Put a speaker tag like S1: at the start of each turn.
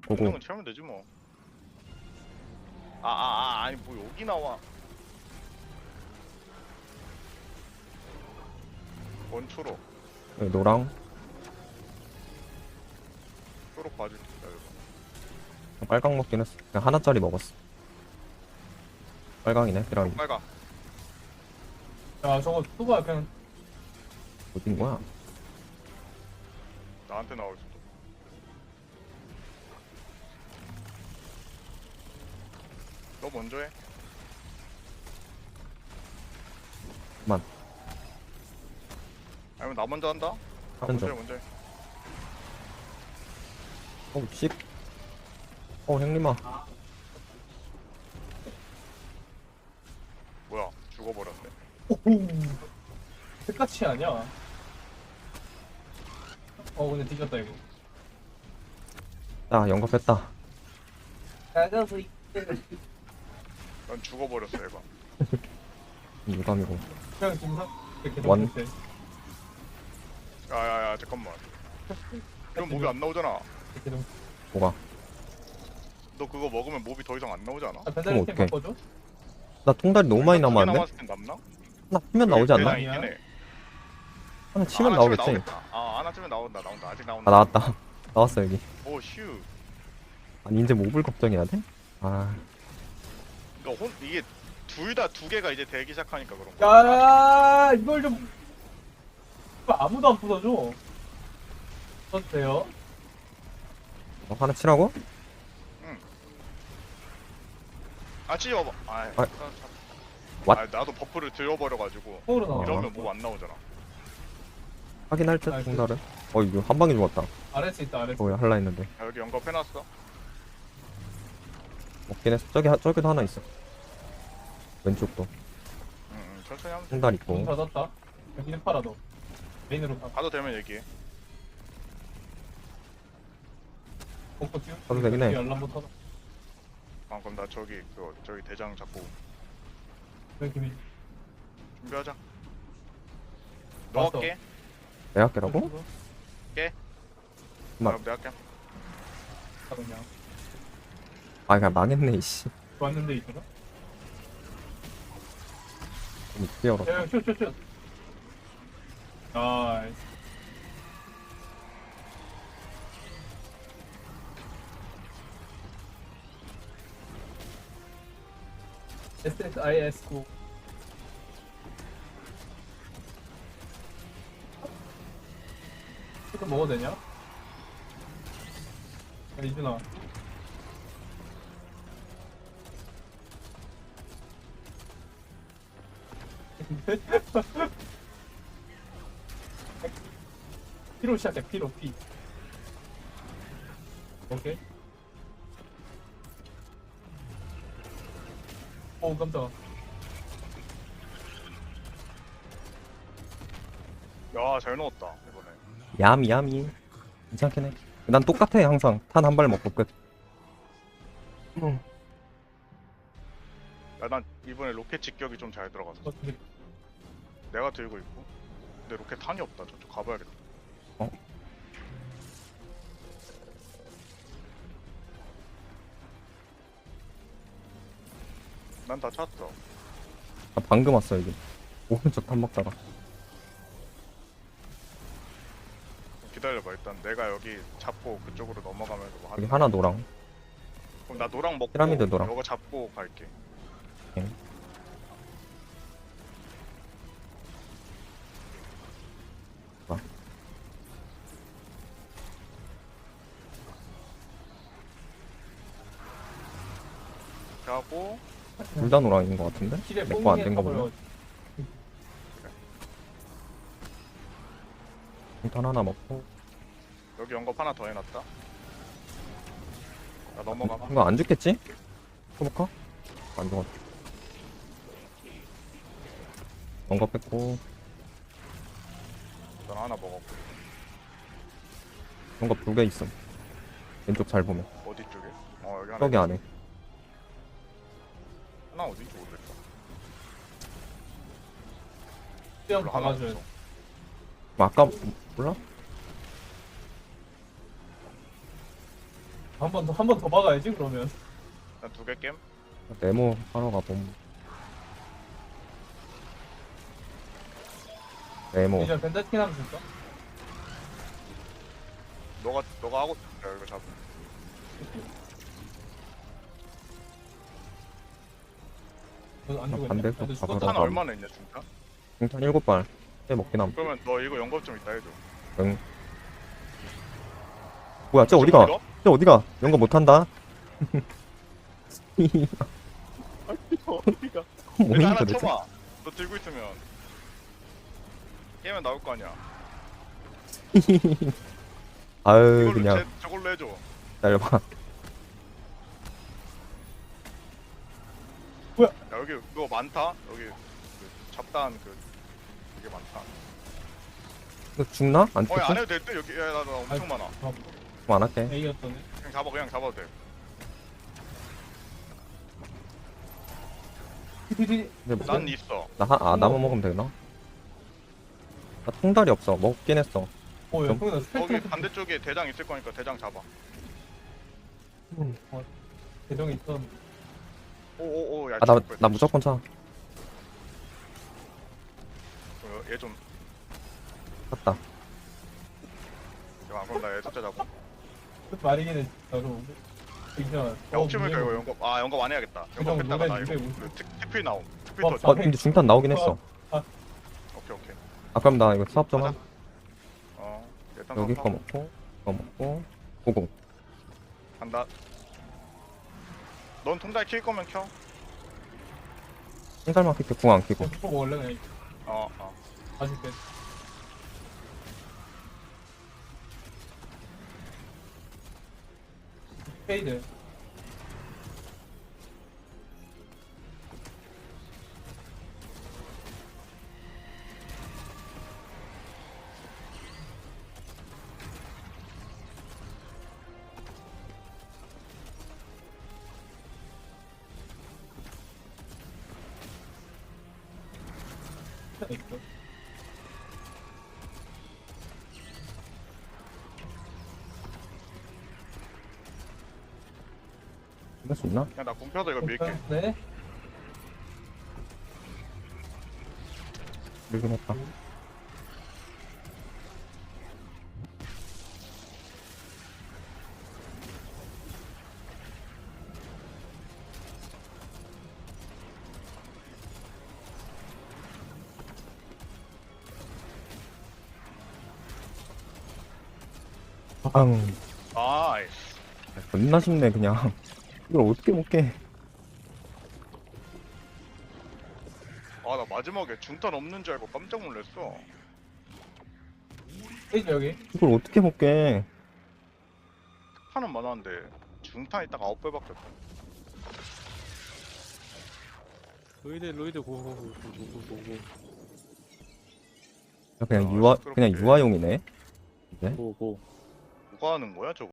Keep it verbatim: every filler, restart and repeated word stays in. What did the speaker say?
S1: 고고.
S2: 공룡은 채우면 되지 뭐. 아, 아, 아, 아니 뭐 여기 나와. 원초록,
S1: 여기 노랑.
S2: 초록 봐줄 테니까 이거.
S1: 빨강 먹긴 했어. 그냥 하나짜리 먹었어. 빨강이네, 피라미.
S2: 빨강.
S3: 야 저거 누가 그냥
S1: 어딘 거야?
S2: 나한테 나올 수도. 너 먼저 해.
S1: 그만.
S2: 아니면 나 먼저 한다? 나
S1: 하는
S2: 먼저 해,
S1: 중.
S2: 먼저 해.
S1: 어, 씨. 어, 형님아.
S2: 뭐야? 죽어버렸네.
S3: 오호 끝까지 아니야. 어 근데 뒤졌다 이거.
S1: 자, 영겁했다.
S3: 나가서
S2: 난 죽어버렸어 얘가.
S1: 유감이고.
S3: 그냥 동상 이렇게
S1: 원.
S3: 넘길 때.
S2: 야야야 잠깐만. 그럼 몹이 안 나오잖아.
S3: 이렇게 넘.
S1: 뭐가?
S2: 너 그거 먹으면 몹이 더 이상 안 나오잖아.
S3: 아 배달팀
S1: 어떡해.
S3: 바꿔줘?
S1: 나 통달이 너무 많이
S2: 두개
S1: 남았는데?
S2: 남았을 땐 남나?
S1: 하나 치면 나오지 않나?
S2: 네, 있긴 해.
S1: 하나 치면
S2: 아,
S1: 나오겠지.
S2: 나오겠다. 아 하나 치면 나온다 나온다 아직
S1: 아,
S2: 나온다.
S1: 나왔다. 나왔어, 여기.
S2: 오 휴.
S1: 아니, 이제 몹을 걱정해야 돼? 아,
S2: 그러니까 혼 이게 둘 다 두 개가 이제 되기 시작하니까 그런 거.
S3: 야 이걸 좀 아무도 안 부숴줘. 어때요?
S1: 어, 하나 치라고?
S2: 아 찢어봐. 아,
S1: 아.
S2: 아,
S1: 왓?
S2: 아 나도 버프를 들어버려가지고
S3: 서울은 나와.
S2: 이러면 몹 안 나오잖아.
S1: 확인할 듯,
S3: 아, 그-
S1: 통달은. 어, 이거 한 방에 죽었다.
S3: 아래스 있다 아래스.
S1: 어, 할라 했는데.
S2: 야, 여기 연겁해놨어.
S1: 먹긴 했어. 저기, 하- 저기도 하나 있어. 왼쪽도.
S2: 응, 응 천천히 하면 돼.
S1: 통달
S3: 문
S1: 있고.
S3: 닫았다. 여기는 팔아 너. 메인으로 가.
S2: 가도 되면 얘기해.
S3: 복도 띄우.
S1: 가도 되긴 해.
S3: 열람부 터져.
S2: 아 그럼 나 저기 그 저기 대장 잡고
S3: 여기 김이.
S2: 준비하자.
S3: 왔어.
S2: 넣을게.
S1: 내 학교라고?
S2: 나
S1: 막-
S2: 내가 할게.
S3: 가 그냥.
S1: 아, 그냥 망했네, 이씨.
S3: 왔는데 있구나.
S1: 너무 뛰어라.
S3: 야, 슛, 슛, 슛. 나이스. 에스에스아이에스 구. 이거 먹어도 되냐? 야, 이준아. 피로 시작해, 피로, 피. 오케이. 오, 깜짝아.
S2: 야잘 넣었다 이번에.
S1: 야미, 야미. 괜찮긴 해. 난 똑같아, 항상. 탄 한 발 먹고 끝.
S2: 야 난 이번에 로켓 직격이 좀 잘 들어갔어.
S3: 어, 근데
S2: 내가 들고 있고. 근데 로켓 탄이 없다. 저쪽 가봐야겠다.
S1: 어?
S2: 난 다 찼어.
S1: 나 방금 왔어, 여기. 오른쪽 탄 먹다가.
S2: 기다려봐 일단 내가 여기 잡고 그쪽으로 넘어가면서 뭐
S1: 여기
S2: 하는.
S1: 하나 노랑.
S2: 그럼 나 노랑 먹고
S1: 피라미드 노랑.
S2: 너가 잡고 갈게.
S1: 오케이. 아.
S2: 이렇게 하고
S1: 둘 다 노랑인 것 같은데?
S3: 길에
S1: 내 거 안
S3: 뽕이
S1: 된 거 보면.
S3: 타버려.
S1: 탄 하나 먹고.
S2: 여기 연겁 하나 더 해놨다. 나 넘어가.
S1: 이거 안 죽겠지? 해볼까? 안 죽었다. 뭔가 뺐고.
S2: 난 하나 먹었고.
S1: 뭔가 두 개 있음. 왼쪽 잘 보면.
S2: 어디 쪽에? 어 여기 하나.
S1: 저기
S2: 있다.
S1: 안에.
S2: 하나 어딘지 모르겠다.
S3: 수영
S2: 별로 하나
S3: 박아줘야
S2: 없어.
S3: 돼.
S1: 뭐 아까 몰라?
S3: 한 번 더 한 번 더 박아야지 그러면.
S2: 난두개 겜.
S1: 네모 하러 가봄. 네모.
S3: 이제 벤다스킨 하면 줄까?
S2: 너가 너가 하고 싶다 이거 잡.
S3: 너안
S1: 아,
S3: 죽었냐?
S1: 반대쪽
S3: 근데
S1: 가봐라.
S3: 죽었다.
S2: 탄 얼마나 있냐 중탄?
S1: 중탄 일곱 발. 해 먹긴 함.
S2: 그러면 너 이거 연금 좀 있다 해줘.
S1: 응. 뭐야, 쟤 어디가?
S2: 이거?
S1: 쟤 어디가? 연거 못한다?
S2: 어디가?
S1: 뭐임
S2: 일단 하나
S1: 도대체?
S2: 쳐봐. 너 들고 있으면 게임은 나올 거 아니야.
S1: 아유,
S2: 이걸로
S1: 그냥
S2: 제, 저걸로 해줘.
S1: 기다려봐.
S2: 야 여기 그거 많다. 여기 그 잡다한 그 이게 많다.
S1: 이거 죽나? 안
S2: 어야 안
S1: 죽지?
S2: 해도 될 듯. 여기 야나 나 엄청
S3: 아이,
S2: 많아.
S3: 어,
S1: 안 할게.
S3: A였더니.
S2: 그냥 잡아 그냥 잡아도 돼.
S3: 티티티.
S1: 근데 뭐,
S2: 난 있어.
S1: 나 하, 아, 나만 먹으면 되나? 나 통달이 없어. 먹긴 했어.
S3: 어, 야,
S1: 좀-
S3: 형이 나
S2: 거기
S3: 스펙트
S2: 반대쪽에 대장 있을 거니까 대장 잡아.
S3: 대정이 있던.
S2: 오오오 야.
S1: 아, 나, 나 무조건 차.
S2: 얘좀
S1: 샀다.
S2: 야, 그럼 나 애석자 잡고.
S3: 그 말이긴 해. 나도. 이상.
S2: 야, 혹시 모르니까 이거 영겁, 아, 영겁 안 해야겠다. 영겁
S3: 그냥
S2: 했다가 나
S3: 노래,
S2: 이거
S3: 노래
S2: 그 특- 특필 나옴. 특필
S3: 어,
S2: 더.
S3: 아,
S1: 어, 근데 중탄 나오긴 했어.
S2: 오케이, 오케이.
S1: 아, 그럼 나 이거 수압 좀
S2: 가자.
S1: 함.
S2: 어, 일단
S1: 여기
S2: 거
S1: 거 먹고, 이거 먹고, 고고.
S2: 간다. 넌 통달 킬 거면 켜.
S1: 통달만 킬게 궁안 키고.
S3: 또 먹을래 그냥.
S2: 어, 어.
S3: 아쉽게. 페이드. 있어.
S1: 이럴 수 있나?
S2: 그냥 나 궁펴서 이거 밀게.
S3: 네.
S1: 밀긴 했다. 앙.
S2: 아이씨.
S1: 겁나 쉽네, 그냥. 이걸 어떻게 먹게.
S2: 아, 나 마지막에 중탄 없는 줄 알고 깜짝 놀랐어.
S3: 페이드 여기.
S1: 이걸 어떻게 먹게.
S2: 탄은 많았는데 중탄 있다가 아홉 배밖에 없어.
S4: 로이드 로이드 고고고고고고고
S1: 그냥
S2: 아,
S1: 유아,
S2: 시끄럽게.
S1: 그냥 유아용이네. 이제?
S4: 고고
S2: 누가 하는 거야, 저거?